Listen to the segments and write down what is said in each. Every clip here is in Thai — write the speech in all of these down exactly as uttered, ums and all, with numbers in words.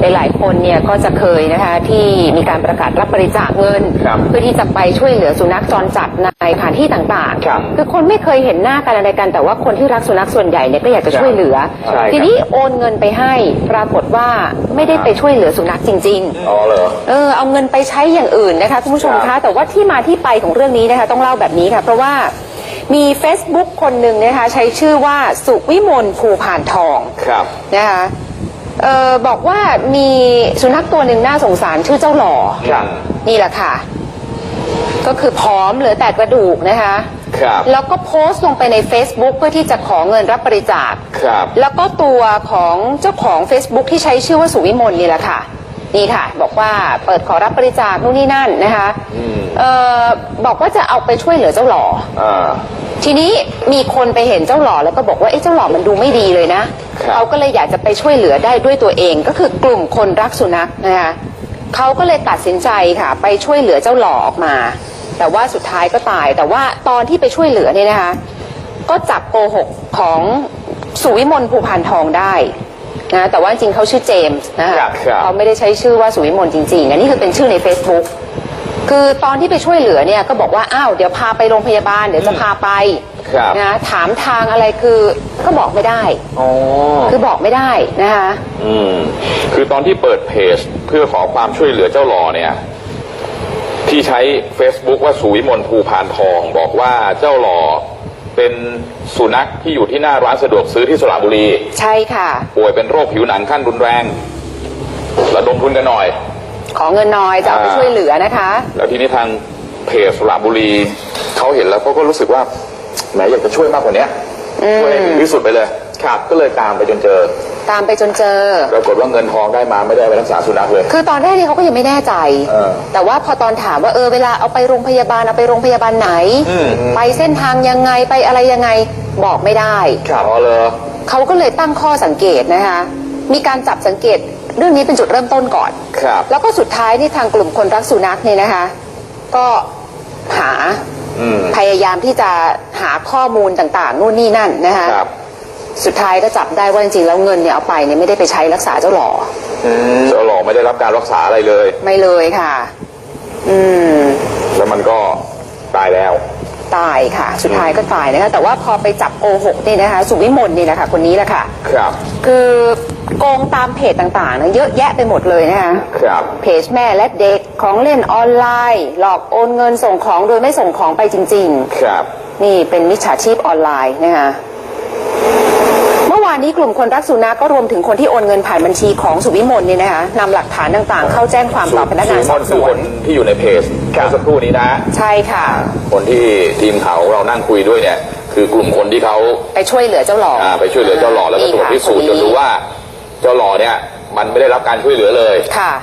หลายๆคนเนี่ยก็จะเคยนะคะที่มีการประกาศรับบริจาคเงินเพื่อที่จะไปช่วยเหลือสุนัขจรจัดในสถานที่ต่างๆคือคนไม่เคยเห็นหน้ากันอะไรกันแต่ว่าคนที่รักสุนัขส่วนใหญ่เนี่ยก็อยากจะช่วยเหลือทีนี้โอนเงินไปให้ปรากฏว่าไม่ได้ไปช่วยเหลือสุนัขจริงๆอ๋อเหรอเออเอาเงินไปใช้อย่างอื่นนะคะคุณผู้ชมคะแต่ว่าที่มาที่ไปของเรื่องนี้นะคะต้องเล่าแบบนี้ค่ะเพราะว่ามี Facebook คนหนึ่งนะคะใช้ชื่อว่าสุวิมลภูพานทองนะคะเออบอกว่ามีสุนัขตัวหนึ่งน่าสงสารชื่อเจ้าหล่อนี่แหละค่ะก็คือผอมเหลือแต่กระดูกนะคะแล้วก็โพสต์ลงไปใน Facebook เพื่อที่จะขอเงินรับบริจาคแล้วก็ตัวของเจ้าของ Facebook ที่ใช้ชื่อว่าสุวิมลนี่แหละค่ะนี่ค่ะบอกว่าเปิดขอรับบริจาคนู่นนี่นั่นนะคะเออบอกว่าจะเอาไปช่วยเหลือเจ้าหล่อทีนี้มีคนไปเห็นเจ้าหล่อแล้วก็บอกว่าเอ๊ะเจ้าหล่อมันดูไม่ดีเลยนะเขาก็เลยอยากจะไปช่วยเหลือได้ด้วยตัวเองก็คือกลุ่มคนรักสุนัขนะคะเขาก็เลยตัดสินใจค่ะไปช่วยเหลือเจ้าหล่อออกมาแต่ว่าสุดท้ายก็ตายแต่ว่าตอนที่ไปช่วยเหลือเนี่ยนะคะก็จับโกหกของสุวิมลภูพานทองได้นะแต่ว่าจริงเขาชื่อเจมส์นะคะเขาไม่ได้ใช้ชื่อว่าสุวิมลจริงๆอันนี้คือเป็นชื่อใน Facebook คือตอนที่ไปช่วยเหลือเนี่ยก็บอกว่าอ้าวเดี๋ยวพาไปโรงพยาบาลเดี๋ยวจะพาไปนะถามทางอะไรคือก็บอกไม่ได้คือบอกไม่ได้นะคะอืมคือตอนที่เปิดเพจเพื่อขอความช่วยเหลือเจ้าหล่อเนี่ยที่ใช้ Facebook ว่าสุวิมลภูพานทองบอกว่าเจ้าหล่อเป็นสุนัขที่อยู่ที่หน้าร้านสะดวกซื้อที่สระบุรีใช่ค่ะป่วยเป็นโรคผิวหนังขั้นรุนแรงระดมทุนกันหน่อยขอเงินน้อยจะเอาไปช่วยเหลือนะคะแล้วทีนี้ทางเพจสระบุรีเขาเห็นแล้วเขาก็รู้สึกว่าแหมอยากจะช่วยมากกว่านี้ช่วยให้ถึงที่สุดไปเลยครับก็เลยตามไปจนเจอตามไปจนเจอปรากฏว่าเงินทองได้มาไม่ได้ไปรักษาสุนัขเลยคือตอนแรกนี่เขาก็ยังไม่แน่ใจแต่ว่าพอตอนถามว่าเออเวลาเอาไปโรงพยาบาลเอาไปโรงพยาบาลไหนไปเส้นทางยังไงไปอะไรยังไงบอกไม่ได้ครับอ๋อเลยเขาก็เลยตั้งข้อสังเกตนะคะมีการจับสังเกตเรื่องนี้เป็นจุดเริ่มต้นก่อนครับแล้วก็สุดท้ายนี่ทางกลุ่มคนรักสุนัขเนี่ยนะคะก็หาพยายามที่จะหาข้อมูลต่างๆนู่นนี่นั่นนะคะสุดท้ายก็จับได้ว่าจริงๆแล้วเงินเนี่ยเอาไปเนี่ยไม่ได้ไปใช้รักษาเจ้าหล่อเจ้าหล่อไม่ได้รับการรักษาอะไรเลยไม่เลยค่ะอืมแล้วมันก็ตายแล้วตายค่ะสุดท้ายก็ตายนะคะแต่ว่าพอไปจับโกหกนี่นะคะสุวิมลนี่นะคะคนนี้แหละค่ะครับคือโกงตามเพจต่างๆนะเยอะแยะไปหมดเลยนะคะครับเพจแม่และเด็กของเล่นออนไลน์หลอกโอนเงินส่งของโดยไม่ส่งของไปจริงๆครับนี่เป็นมิจฉาชีพออนไลน์นะคะเมื่อวานนี้กลุ่มคนรักสุนัขก็รวมถึงคนที่โอนเงินผ่านบัญชีของสุวิมลนี่นะคะนำหลักฐานต่างๆเข้าแจ้งความต่อพนักงานสอบสวนที่อยู่ในเพจเมื่อสักครู่นี้นะใช่ค่ะคนที่ทีมข่าวเรานั่งคุยด้วยเนี่ยคือกลุ่มคนที่เขาไปช่วยเหลือเจ้าหล่อไปช่วยเหลือเจ้าหล่อแล้วก็ตรวจพิสูจน์จนรู้ว่าเจ้าหล่อเนี่ยมันไม่ได้รับการช่วยเหลือเลยค่ะ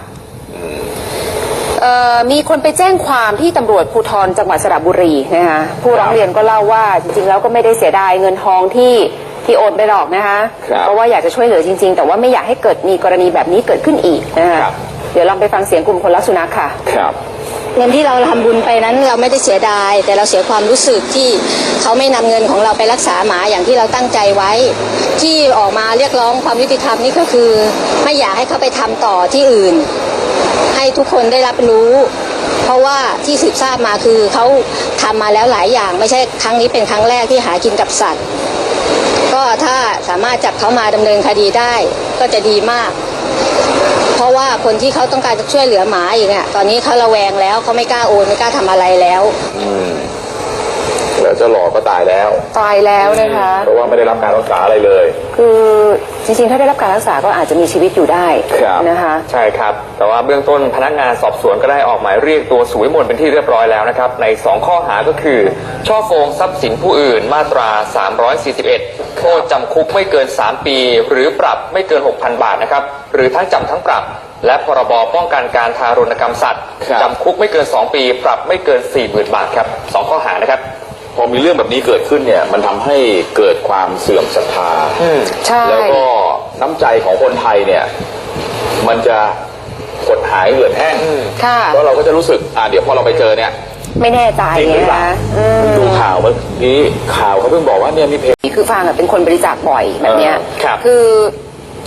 มีคนไปแจ้งความที่ตำรวจภูธรจังหวัดสระบุรีนะคะผู้ร้องเรียนก็เล่าว่าจริงๆแล้วก็ไม่ได้เสียดายเงินทองที่ที่โอนไปหรอกนะคะเพราะว่าอยากจะช่วยเหลือจริงๆแต่ว่าไม่อยากให้เกิดมีกรณีแบบนี้เกิดขึ้นอีกนะคะเดี๋ยวลองไปฟังเสียงกลุ่มคนรักสุนัขค่ะครับเงินที่เราทำบุญไปนั้นเราไม่ได้เสียดายแต่เราเสียความรู้สึกที่เขาไม่นำเงินของเราไปรักษาหมาอย่างที่เราตั้งใจไว้ที่ออกมาเรียกร้องความยุติธรรมนี่ก็คือไม่อยากให้เขาไปทำต่อที่อื่นให้ทุกคนได้รับรู้เพราะว่าที่สืบทราบมาคือเขาทำมาแล้วหลายอย่างไม่ใช่ครั้งนี้เป็นครั้งแรกที่หากินกับสัตว์ก็ถ้าสามารถจับเขามาดำเนินคดีได้ก็จะดีมากเพราะว่าคนที่เขาต้องการจะช่วยเหลือหมาอีกเนี่ยตอนนี้เขาระแวงแล้วเขาไม่กล้าโอนไม่กล้าทำอะไรแล้วอืมแล้วเจ้าหล่อก็ตายแล้วตายแล้วนะคะเพราะว่าไม่ได้รับการรักษาอะไรเลยคือจริงๆถ้าได้รับการรักษาก็อาจจะมีชีวิตอยู่ได้นะคะใช่ครับแต่ว่าเบื้องต้นพนักงานสอบสวนก็ได้ออกหมายเรียกตัวสุวิมลเป็นที่เรียบร้อยแล้วนะครับในสองข้อหาก็คือช่อโกงทรัพย์สินผู้อื่นมาตราสามร้อยสี่สิบเอ็ดโทษจำคุกไม่เกินสามปีหรือปรับไม่เกิน หกพัน บาทนะครับหรือทั้งจำทั้งปรับและพรบป้องกันการทารุณกรรมสัตว์จำคุกไม่เกินสองปีปรับไม่เกิน สี่หมื่น บาทครับสองข้อหานะครับพอมีเรื่องแบบนี้เกิดขึ้นเนี่ยมันทำให้เกิดความเสื่อมศรัทธาแล้วก็น้ำใจของคนไทยเนี่ยมันจะหดหายเหือดแห้งเพราะเราก็จะรู้สึกอ่าเดี๋ยวพอเราไปเจอเนี่ยไม่แน่ใจนะดูข่าวเมื่อกี้ข่าวเขาเพิ่งบอกว่าเนี่ยมีเพจคือฟังเป็นคนบริจาคบ่อยแบบเนี้ยคือ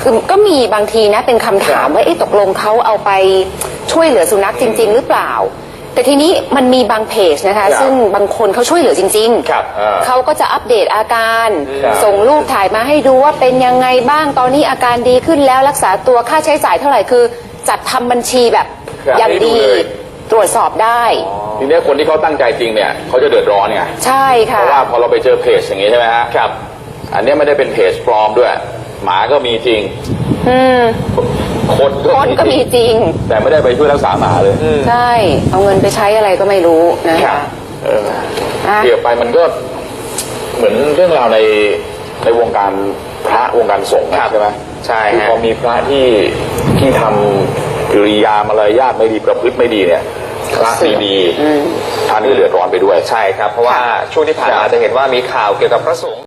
คือก็มีบางทีนะเป็นคำถามว่าเอ๊ะตกลงเขาเอาไปช่วยเหลือสุนัขจริง ๆ หรือเปล่า แต่ทีนี้มันมีบางเพจนะคะซึ่งบางคนเขาช่วยเหลือจริงครับๆเขาก็จะอัปเดตอาการครับส่งรูปถ่ายมาให้ดูว่าเป็นยังไงบ้างตอนนี้อาการดีขึ้นแล้วรักษาตัวค่าใช้จ่ายเท่าไหร่คือจัดทำบัญชีแบบครับอย่างดีให้ดูเลยตรวจสอบได้ทีนี้คนที่เขาตั้งใจจริงเนี่ยเขาจะเดือดร้อนไงใช่เพค่ะราะว่าพอเราไปเจอเพจอย่างนี้ใช่ไหมฮะครับ อันนี้ไม่ได้เป็นเพจปลอมด้วย หมาก็มีจริงอืมคนคนก็มีจริงแต่ไม่ได้ไปช่วยรักษาหมาเลยใช่เอาเงินไปใช้อะไรก็ไม่รู้นะครัคะบ เอออ่ะเกี่ยวไปมันก็เหมือนเรื่องราวในในวงการพระวงการสงฆ์นะใช่ไหมใช่คือฮะพอมีพระที่ที่ทำกิริยามารยาทไม่ดีประพฤติไม่ดีเนี่ยพระดีๆท่านก็เดือดร้อนไปด้วยใช่ครับ เพราะว่าช่วงที่ผ่านมาจะเห็นว่ามีข่าวเกี่ยวกับพระสงฆ์